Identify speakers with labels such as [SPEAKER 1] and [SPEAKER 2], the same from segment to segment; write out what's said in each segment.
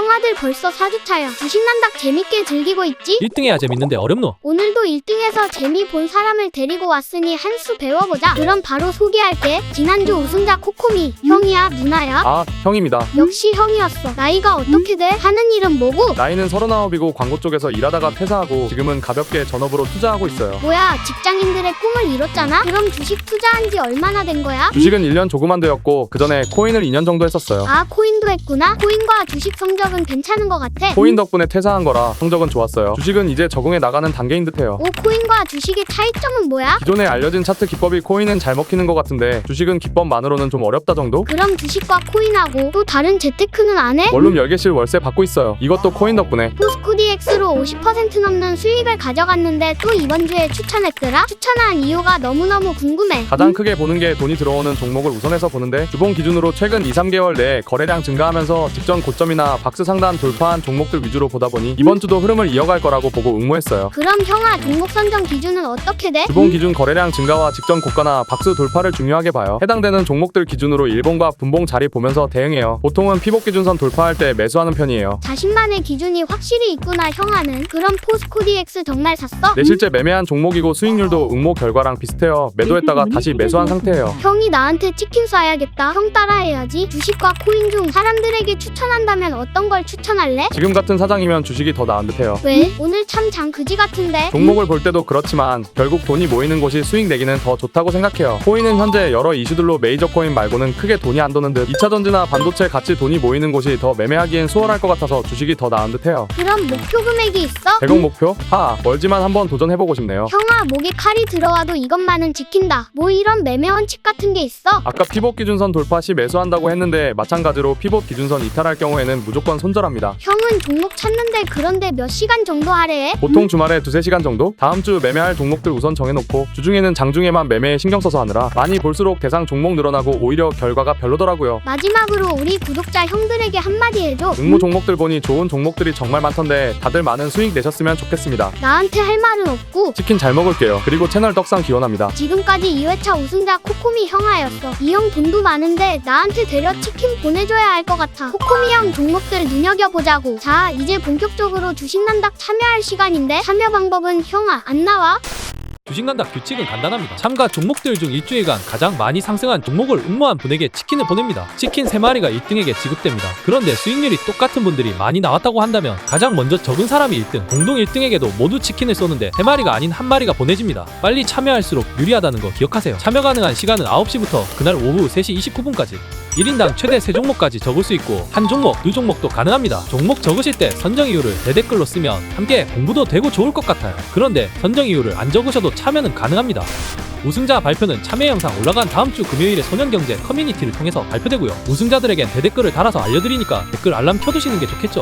[SPEAKER 1] 형아들 벌써 4주차야. 주식난닥 재밌게 즐기고 있지?
[SPEAKER 2] 1등해야 재밌는데 어렵노?
[SPEAKER 1] 오늘도 1등해서 재미 본 사람을 데리고 왔으니 한 수 배워보자. 그럼 바로 소개할게. 지난주 우승자 코코미. 형이야? 누나야?
[SPEAKER 3] 아, 형입니다.
[SPEAKER 1] 역시 형이었어. 나이가 어떻게 돼? 하는 일은 뭐고?
[SPEAKER 3] 나이는 39이고 광고 쪽에서 일하다가 퇴사하고 지금은 가볍게 전업으로 투자하고 있어요.
[SPEAKER 1] 뭐야, 직장인들의 꿈을 이뤘잖아? 그럼 주식 투자한 지 얼마나 된 거야?
[SPEAKER 3] 주식은 1년 조그만 되었고 그 전에 코인을 2년 정도 했었어요.
[SPEAKER 1] 아, 코인도 했구나? 코인과 주식 성적은 괜찮은 것 같아.
[SPEAKER 3] 코인 덕분에 퇴사한 거라 성적은 좋았어요. 주식은 이제 적응해 나가는 단계인 듯해요.
[SPEAKER 1] 오, 코인과 주식의 차이점은 뭐야?
[SPEAKER 3] 기존에 알려진 차트 기법이 코인은 잘 먹히는 것 같은데 주식은 기법만으로는 좀 어렵다 정도?
[SPEAKER 1] 그럼 주식과 코인하고 또 다른 재테크는 안 해?
[SPEAKER 3] 원룸 10개씩 월세 받고 있어요. 이것도 코인 덕분에.
[SPEAKER 1] 포스코DX로 50% 넘는 수익을 가져갔는데 또 이번 주에 추천했더라? 추천한 이유가 너무너무 궁금해.
[SPEAKER 3] 가장 크게 보는 게 돈이 들어오는 종목을 우선해서 보는데 주봉 기준으로 최근 2-3개월 내에 거래량 증가하면서 직전 고점이나 박스 상단 돌파한 종목들 위주로 보다 보니 이번 주도 흐름을 이어갈 거라고 보고 응모했어요.
[SPEAKER 1] 그럼 형아, 종목 선정 기준은 어떻게 돼?
[SPEAKER 3] 주봉 기준 거래량 증가와 직전 고가나 박스 돌파를 중요하게 봐요. 해당되는 종목들 기준으로 일봉과 분봉 자리 보면서 대응해요. 보통은 피복 기준선 돌파할 때 매수하는 편이에요.
[SPEAKER 1] 자신만의 기준이 확실히 있구나. 형아는 그럼 포스코DX 정말 샀어?
[SPEAKER 3] 내 실제 매매한 종목이고 수익률도 응모 결과랑 비슷해요. 매도했다가 다시 매수한 상태예요.
[SPEAKER 1] 형이 나한테 치킨 쏴야겠다. 형 따라해야지. 주식과 코인 중 사람들에게 추천한다면 어떤 걸 추천할래?
[SPEAKER 3] 지금 같은 사장이면 주식이 더 나은 듯해요.
[SPEAKER 1] 왜? 오늘 참 장 그지 같은데.
[SPEAKER 3] 종목을 볼 때도 그렇지만 결국 돈이 모이는 곳이 수익 내기는 더 좋다고 생각해요. 코인은 현재 여러 이슈들로 메이저 코인 말고는 크게 돈이 안 도는 듯 2차전지나 반도체 같이 돈이 모이는 곳이 더 매매하기엔 수월할 것 같아서 주식이 더 나은 듯해요.
[SPEAKER 1] 그럼 목표 금액이 있어?
[SPEAKER 3] 100억 목표? 멀지만 한번 도전해보고 싶네요.
[SPEAKER 1] 형아, 목에 칼이 들어와도 이것만은 지킨다. 뭐 이런 매매 원칙 같은 게 있어?
[SPEAKER 3] 아까 피봇 기준선 돌파 시 매수한다고 했는데 마찬가지로 피봇 기준선 이탈할 경우에는 무조건 손절합니다.
[SPEAKER 1] 형은 종목 찾는데 그런데 몇 시간 정도 하래해?
[SPEAKER 3] 보통 주말에 2-3시간 정도? 다음 주 매매할 종목들 우선 정해놓고 주중에는 장중에만 매매에 신경 써서 하느라 많이 볼수록 대상 종목 늘어나고 오히려 결과가 별로더라고요.
[SPEAKER 1] 마지막으로 우리 구독자 형들에게 한마디 해줘.
[SPEAKER 3] 응모 종목들 보니 좋은 종목들이 정말 많던데 다들 많은 수익 내셨으면 좋겠습니다.
[SPEAKER 1] 나한테 할 말은 없고
[SPEAKER 3] 치킨 잘 먹을게요. 그리고 채널 떡상 기원합니다.
[SPEAKER 1] 지금까지 2회차 우승자 코코미 형아였어. 이 형 돈도 많은데 나한테 데려 치킨 보내줘야 할 것 같아. 코코미 형 종목들 눈여겨보자고. 자, 이제 본격적으로 주식난닥 참여할 시간인데 참여 방법은 형아 안 나와?
[SPEAKER 2] 주식난닥 규칙은 간단합니다. 참가 종목들 중 일주일간 가장 많이 상승한 종목을 응모한 분에게 치킨을 보냅니다. 치킨 3마리가 1등에게 지급됩니다. 그런데 수익률이 똑같은 분들이 많이 나왔다고 한다면 가장 먼저 적은 사람이 1등, 공동 1등에게도 모두 치킨을 쏘는데 3마리가 아닌 1마리가 보내집니다. 빨리 참여할수록 유리하다는 거 기억하세요. 참여 가능한 시간은 9시부터 그날 오후 3시 29분까지 1인당 최대 3종목까지 적을 수 있고 한 종목, 2종목도 가능합니다. 종목 적으실 때 선정 이유를 대댓글로 쓰면 함께 공부도 되고 좋을 것 같아요. 그런데 선정 이유를 안 적으셔도 참여는 가능합니다. 우승자 발표는 참여 영상 올라간 다음 주 금요일에 소년경제 커뮤니티를 통해서 발표되고요. 우승자들에겐 대댓글을 달아서 알려드리니까 댓글 알람 켜두시는 게 좋겠죠.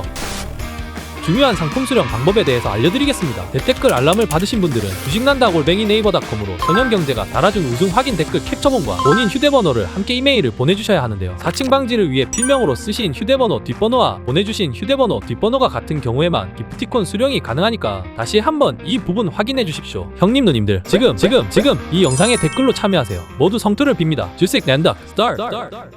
[SPEAKER 2] 중요한 상품 수령 방법에 대해서 알려드리겠습니다. 대댓글 알람을 받으신 분들은 주식난다@네이버닷컴으로 소년경제가 달아준 우승 확인 댓글 캡처본과 본인 휴대번호를 함께 이메일을 보내주셔야 하는데요. 사칭 방지를 위해 필명으로 쓰신 휴대번호 뒷번호와 보내주신 휴대번호 뒷번호가 같은 경우에만 기프티콘 수령이 가능하니까 다시 한번 이 부분 확인해 주십시오. 형님 누님들 지금 이 영상에 댓글로 참여하세요. 모두 성투를 빕니다. 주식난다 스타트.